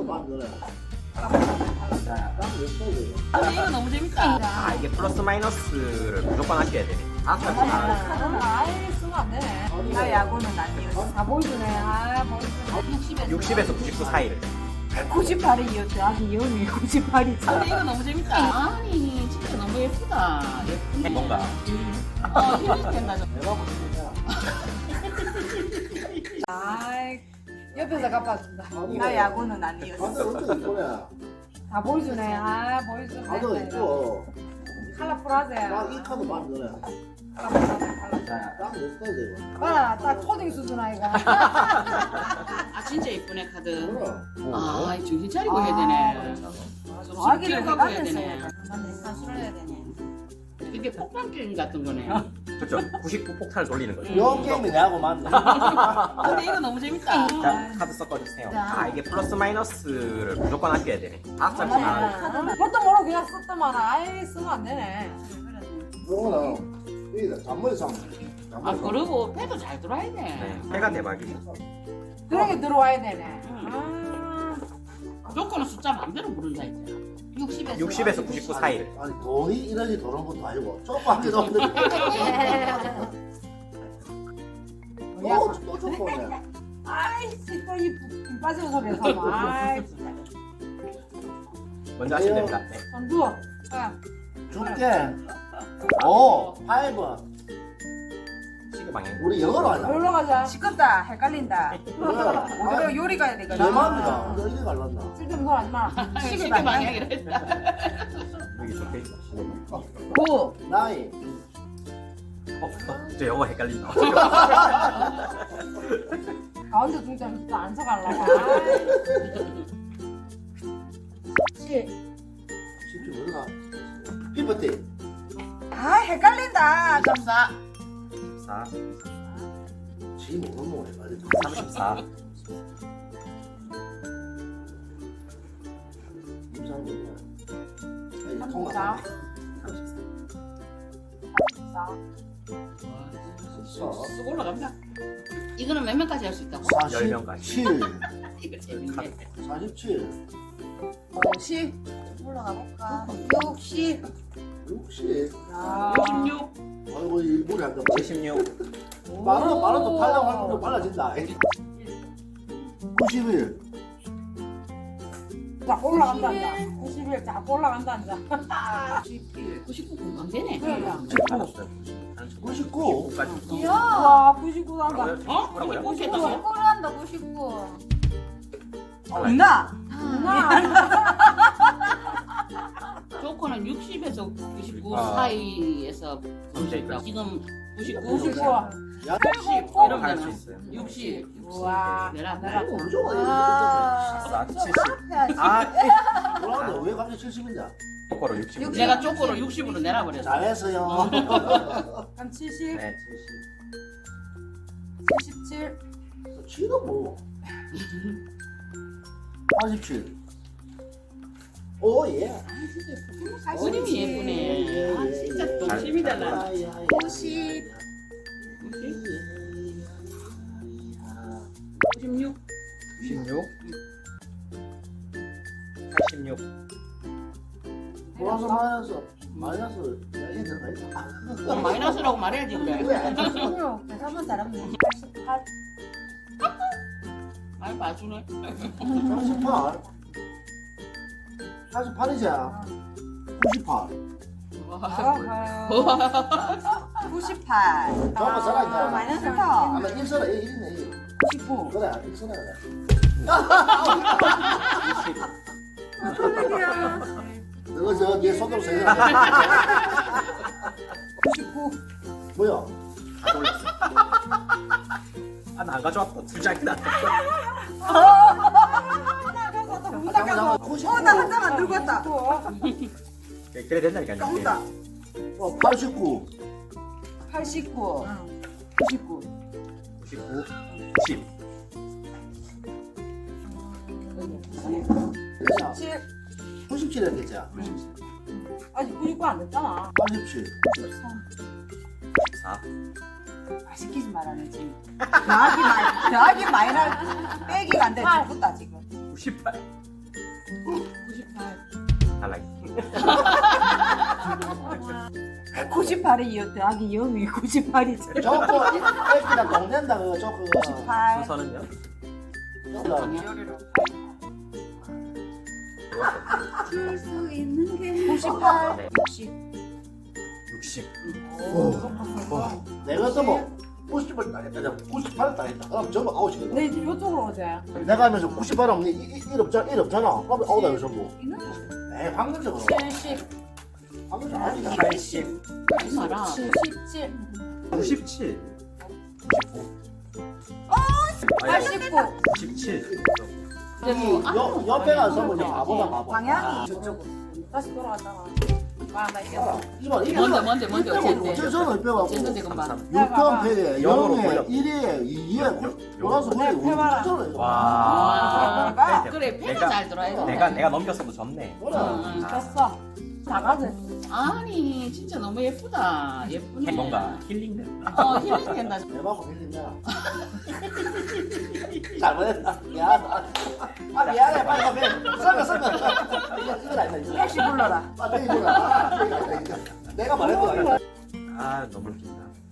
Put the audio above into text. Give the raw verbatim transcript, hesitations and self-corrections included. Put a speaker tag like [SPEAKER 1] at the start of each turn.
[SPEAKER 1] 만드네.
[SPEAKER 2] 근데 이거 너무 재밌다.
[SPEAKER 3] 아 이게 플러스 마이너스를 무조건 아껴야 되네. 다섯 살 아,
[SPEAKER 4] 아예 쓰면 안 되네.
[SPEAKER 2] 나 야구는 안 이었어.
[SPEAKER 4] 아 보여주네. 아 보여주네.
[SPEAKER 2] 육십에서
[SPEAKER 3] 육십에서 구십구 사이를.
[SPEAKER 4] 구십팔이 이었대. 아직 이혼이 구십팔이
[SPEAKER 2] 근데
[SPEAKER 4] 잖아.
[SPEAKER 2] 이거 너무 재밌다. 아니 진짜 너무 예쁘다. 예쁜데.
[SPEAKER 3] 뭔가.
[SPEAKER 2] 어 힐링 된다.
[SPEAKER 1] 내가 보니까
[SPEAKER 4] 아이 옆에서 갚아준다.
[SPEAKER 2] 나 야구는 안 이었어.
[SPEAKER 1] 다들 어떻게 이쁘네.
[SPEAKER 4] 다 보여주네. 아 보여주네.
[SPEAKER 1] 다들 이뻐.
[SPEAKER 4] 컬러풀하세.
[SPEAKER 1] 딱이 카드 만드네.
[SPEAKER 4] 컬러풀하세.
[SPEAKER 1] 딱몇 스타일 이거.
[SPEAKER 4] 봐라 딱 초딩 수준 아이가.
[SPEAKER 2] 아 진짜 예쁘네 카드.
[SPEAKER 1] 그럼.
[SPEAKER 2] 아 정신 차리고 해야 되네.
[SPEAKER 4] 아기를
[SPEAKER 2] 기억하고 해야
[SPEAKER 4] 해가면서
[SPEAKER 2] 되네.
[SPEAKER 4] 산수를 해야 되네.
[SPEAKER 2] 이게 폭탄 게임 같은 거네.
[SPEAKER 3] 그렇죠. 구십구 폭탄을 돌리는 거죠.
[SPEAKER 1] 요 게임이 내하고 맞네.
[SPEAKER 2] 근데 이거 너무 재밌다.
[SPEAKER 3] 자, 카드 섞어주세요.
[SPEAKER 4] 자.
[SPEAKER 3] 아 이게 플러스 마이너스를 무조건 아껴야 되네. 다섯 살 아,
[SPEAKER 4] 뭣도 모르고 그냥 썼더만 아예 쓰면 안 되네.
[SPEAKER 1] 요거는 이게 잔머리 상.
[SPEAKER 2] 아 그리고 패도 잘 들어야 돼.
[SPEAKER 3] 네, 해가 대박이죠.
[SPEAKER 4] 그러게 들어와야 되네. 아.
[SPEAKER 2] 조건은 숫자 마음대로 부른다 이제. 육십에서
[SPEAKER 3] 육십에서 구십구 사이를.
[SPEAKER 1] 아니 돈이 이러지 도는 것도 아니고 조금밖에 없는데 또또 조금네.
[SPEAKER 4] 아이씨 또이 빠지는 소리야 삼아. 아이 진짜.
[SPEAKER 3] 먼저 하시면 됩니다. 네.
[SPEAKER 4] 선두. 아.
[SPEAKER 1] 줄게. 오, 파이브.
[SPEAKER 3] 시그 방향.
[SPEAKER 1] 우리 영어로 하자.
[SPEAKER 4] 놀러 가자.
[SPEAKER 2] 시끄럽다 헷갈린다.
[SPEAKER 1] 그래.
[SPEAKER 2] 우리 요리 가야 되거든.
[SPEAKER 1] 내 맘이다. 너 이리 갈랐나?
[SPEAKER 4] 쓸데없는 소리 하지 마.
[SPEAKER 2] 시계 방향이라 했다.
[SPEAKER 3] 여기 적혀 있어.
[SPEAKER 2] 구.
[SPEAKER 1] 나이.
[SPEAKER 3] 어, 저 영어 헷갈린다.
[SPEAKER 4] 가운데 둘 때는 진짜 안 서갈라고. 칠.
[SPEAKER 1] 쉽지 몰라. 피프티.
[SPEAKER 2] 아 헷갈린다. 삼십사.
[SPEAKER 3] 사,
[SPEAKER 1] 지 모르는 거 해가지고.
[SPEAKER 3] 삼십사,
[SPEAKER 1] 임상 몰라. 아니,
[SPEAKER 4] 삼십사.
[SPEAKER 1] 통화.
[SPEAKER 4] 삼십사.
[SPEAKER 2] 쑥 올라갑니다. 이거는 몇 명까지 할 수 있다고?
[SPEAKER 3] 열 명까지.
[SPEAKER 1] 사십칠.
[SPEAKER 2] 이거 재밌네.
[SPEAKER 1] 사십칠.
[SPEAKER 4] 오십. 올라가 볼까.
[SPEAKER 2] 육십.
[SPEAKER 1] 육십.
[SPEAKER 4] 야.
[SPEAKER 2] 육십육.
[SPEAKER 1] 아이고 이 물이 안 돼.
[SPEAKER 3] 칠십육,
[SPEAKER 1] 말은 말은 팔려고 할 때도 빨라진다. 구십일.
[SPEAKER 4] 자 올라간다. 구십일. 자 올라간다 이제.
[SPEAKER 2] 구십일. 구십구 금방 되네.
[SPEAKER 4] 그러니까.
[SPEAKER 1] 구십구.
[SPEAKER 3] 구십구까지.
[SPEAKER 4] 와 구십구 한다.
[SPEAKER 2] 어?
[SPEAKER 3] 뭐라고요?
[SPEAKER 2] 구십구 했다고?
[SPEAKER 4] 구십구를 한다 구십구.
[SPEAKER 2] 없나?
[SPEAKER 4] 누나.
[SPEAKER 2] 조커는 육십에서 구십구
[SPEAKER 3] 아.
[SPEAKER 2] 사이에서
[SPEAKER 3] 문제 있다.
[SPEAKER 2] 지금 구십구,
[SPEAKER 4] 구십구.
[SPEAKER 1] 야,
[SPEAKER 2] 육십
[SPEAKER 4] 꼭
[SPEAKER 2] 이러면
[SPEAKER 3] 할 수 있어요.
[SPEAKER 2] 육십.
[SPEAKER 4] 우와.
[SPEAKER 2] 내라
[SPEAKER 4] 내가
[SPEAKER 2] 내라.
[SPEAKER 1] 무조건
[SPEAKER 3] 사, 칠십. 아,
[SPEAKER 1] 뭐라는데 왜 갑자기 칠십인데?
[SPEAKER 3] 똑바로 육십.
[SPEAKER 2] 내가 조커로 육십으로 내라버렸어.
[SPEAKER 1] 잘했어요.
[SPEAKER 4] 그럼 칠십.
[SPEAKER 3] 네,
[SPEAKER 4] 칠십칠.
[SPEAKER 1] 칠은 뭐? 팔십칠. 오 예.
[SPEAKER 2] 그림이 예쁘네. 아 진짜 동심이잖아.
[SPEAKER 4] 오십.
[SPEAKER 2] 구십육.
[SPEAKER 3] 구십육, 팔십육,
[SPEAKER 1] 플러스 마이너스 마이너스 여기 들어가 있다.
[SPEAKER 2] 어, 마이너스라고 말해야지 그래.
[SPEAKER 4] 오십육. 계산만 잘하면 팔십팔.
[SPEAKER 2] 말 봐주네.
[SPEAKER 1] 삼십팔. 사십팔이지. 구십팔.
[SPEAKER 2] 구십팔.
[SPEAKER 1] 잠깐만 살아있냐?
[SPEAKER 2] 마이너스 터.
[SPEAKER 1] 아마 일 써라 일 있네 일.
[SPEAKER 2] 구십구.
[SPEAKER 1] 그래 일 써라 그래. 너가 저내 손으로 세게.
[SPEAKER 4] 구십구.
[SPEAKER 1] 뭐야?
[SPEAKER 3] 다 돌렸어. 아, 나 안 가져왔다. 두 장이 나.
[SPEAKER 1] 잠깐 잠깐 구십구.
[SPEAKER 2] 어, 나 한 장 안 들고 왔다.
[SPEAKER 3] 그래 된다니까요.
[SPEAKER 2] 똥다.
[SPEAKER 1] 어 팔십구.
[SPEAKER 2] 팔십구. 구십구.
[SPEAKER 3] 구십구, 구십.
[SPEAKER 4] 칠.
[SPEAKER 1] 구십칠 했겠지.
[SPEAKER 4] 아직 구십구 안 됐잖아.
[SPEAKER 1] 팔십칠.
[SPEAKER 3] 사,
[SPEAKER 2] 아, 시키지 말아라 지금. 더하기 마이 더하기 마이너스 빼기가 안 돼. 죽었다 지금.
[SPEAKER 3] 구십팔.
[SPEAKER 4] 구십팔.
[SPEAKER 3] 달라기.
[SPEAKER 4] 구십팔에 여 더하기 영이 구십팔이지.
[SPEAKER 1] 저거 애기랑 동된다 그거 저거.
[SPEAKER 4] 구십팔.
[SPEAKER 3] 순서는요?
[SPEAKER 1] 저거.
[SPEAKER 2] 줄수 있는 게
[SPEAKER 4] 구십팔.
[SPEAKER 3] 네.
[SPEAKER 4] 육십.
[SPEAKER 3] 육십.
[SPEAKER 1] 오. 내가 또뭐 구십을 따겠다. 구십팔을 따겠다. 그럼 전부 아웃이거든.
[SPEAKER 4] 네, 이쪽으로 오세요.
[SPEAKER 1] 내가 하면서 구십팔 없니? 일 없잖아. 일 없잖아. 그럼 아웃이야 전부.
[SPEAKER 2] 있는데
[SPEAKER 1] 에이 황금적으로.
[SPEAKER 4] 칠십.
[SPEAKER 1] 황금적 아니다.
[SPEAKER 3] 팔십.
[SPEAKER 2] 하지 마라.
[SPEAKER 4] 칠십칠.
[SPEAKER 3] 구십칠.
[SPEAKER 4] 팔십구.
[SPEAKER 3] 구십칠.
[SPEAKER 2] 이제 뭐
[SPEAKER 1] 여 옆에 가서 뭐 가보다 가보.
[SPEAKER 4] 방향이 저쪽으로. 다시 돌아갔다가. 아, 나 이게.
[SPEAKER 1] 이봐 이게
[SPEAKER 2] 뭔데 뭔데 뭔데 어쨌든
[SPEAKER 1] 어째서는 빼갖고
[SPEAKER 2] 어쨌든 금방
[SPEAKER 1] 육 점 패에
[SPEAKER 3] 영으로
[SPEAKER 1] 영에
[SPEAKER 3] 돌려.
[SPEAKER 1] 일에 이에 돌아서
[SPEAKER 4] 네,
[SPEAKER 1] 우리
[SPEAKER 4] 해봐라.
[SPEAKER 1] 어째서는
[SPEAKER 3] 와.
[SPEAKER 4] 아,
[SPEAKER 2] 그래 패가
[SPEAKER 3] 내가-
[SPEAKER 2] 잘 들어야 돼.
[SPEAKER 3] 내가 내가 넘겼어도 졌네.
[SPEAKER 2] 응.
[SPEAKER 4] 됐어. 나가자.
[SPEAKER 2] 아니 진짜 너무 예쁘다. 예쁘네.
[SPEAKER 3] 뭔가 힐링된다.
[SPEAKER 2] 어 힐링 된다.
[SPEAKER 1] 대박 밀린다. 잘못했다. 미안하다. 아 미안해 빨리 가 빨리. 썰면 썰면. 이거 이거 아니다 이거.
[SPEAKER 4] 택시 불러라.
[SPEAKER 1] 아 내가 이거. 내가 말했던 거 아니야.
[SPEAKER 3] 아 너무 웃긴다.